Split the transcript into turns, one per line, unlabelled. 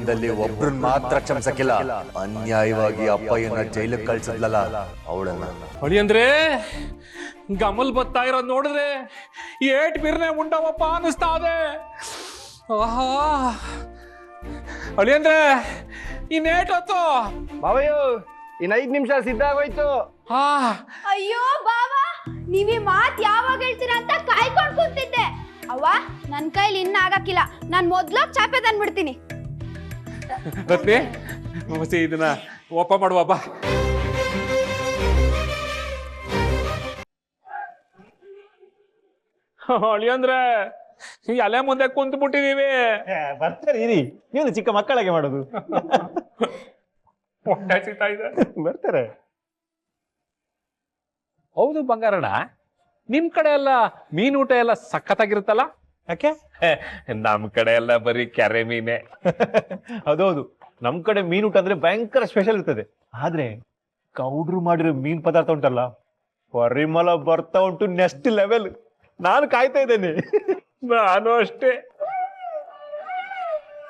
ಕುಟುಂಬದಲ್ಲಿ ಒಬ್ರನ್ ಮಾತ್ರ ಕ್ಷಮಿಸಕ್ಕಿಲ್ಲ. ಅನ್ಯಾಯವಾಗಿ ಅಪ್ಪಯ್ಯನ ಜೈಲಿಗೆ ಕಳ್ಸಿದ್ಲಲ್ಲ ಅವಳನ್ನ.
ಹೊಳಿ ಅಂದ್ರೆ ಗಮಲ್ ಬತ್ತಾ ಇರೋದ್ ನೋಡಿದ್ರೆ ಏಟ್ ಬಿರ್ನೆ ಉಂಡವಪ್ಪ ಅನಿಸ್ತಾ ಇದೆ. ಆಹಾ ಹೊಳಿ ಅಂದ್ರೆ ಇನ್ನೇಟ್ ಹೊತ್ತು
ಬಾವಯ್ಯೋ ಇನ್ 5 ನಿಮಿಷ ಸಿದ್ಧ ಆಗೋಯ್ತು.
ಹಾ
ಅಯ್ಯೋ ಬಾವಾ, ನೀವ್ ಈ ಮಾತ್ ಯಾವಾಗ ಹೇಳ್ತೀರಾ ಅಂತ ಕಾಯ್ಕೊಂಡ್ ಕೂತಿದ್ದೆ. ಅವ್ವ, ನನ್ ಕೈಲಿ ಇನ್ನ ಆಗಕ್ಕಿಲ್ಲ. ನಾನ್ ಮೊದ್ಲೋಗ್ ಚಾಪೆ ತಂದ್ಬಿಡ್ತೀನಿ.
ರತ್ನಿ ಮಸಿ ಇದನ್ನ ಒಪ್ಪ ಮಾಡುವ ಬಾ. ಹೊಳಿ ಅಂದ್ರೆ ಎಲೆ ಮುಂದೆ ಕುಂತು ಬಿಟ್ಟಿದೀವಿ.
ಬರ್ತಾರೆ ಇರಿ, ನೀವು ಚಿಕ್ಕ ಮಕ್ಕಳಿಗೆ ಮಾಡೋದು.
ಹೊಟ್ಟೆ ಸಿಗ್ತಾ ಇದೆ.
ಬರ್ತಾರೆ.
ಹೌದು ಬಂಗಾರಣ್ಣ, ನಿಮ್ ಕಡೆ ಎಲ್ಲ ಮೀನೂಟ ಎಲ್ಲ ಸಖತ್ತಾಗಿರುತ್ತಲ್ಲ.
ಯಾಕೆ?
ನಮ್ ಕಡೆ ಎಲ್ಲ ಬರೀ ಕೆರೆ ಮೀನೆ.
ಹೌದೌದು, ನಮ್ ಕಡೆ ಮೀನೂಟ ಅಂದ್ರೆ ಭಯಂಕರ ಸ್ಪೆಷಲ್ ಇರ್ತದೆ. ಆದ್ರೆ ಕೌಡ್ರು ಮಾಡಿರೋ ಮೀನ್ ಪದಾರ್ಥ ಉಂಟಲ್ಲ, ಪರಿಮಳ ಬರ್ತಾ ಉಂಟು ನೆಕ್ಸ್ಟ್ ಲೆವೆಲ್. ನಾನು ಕಾಯ್ತಾ ಇದ್ದೇನೆ.
ನಾನು ಅಷ್ಟೇ.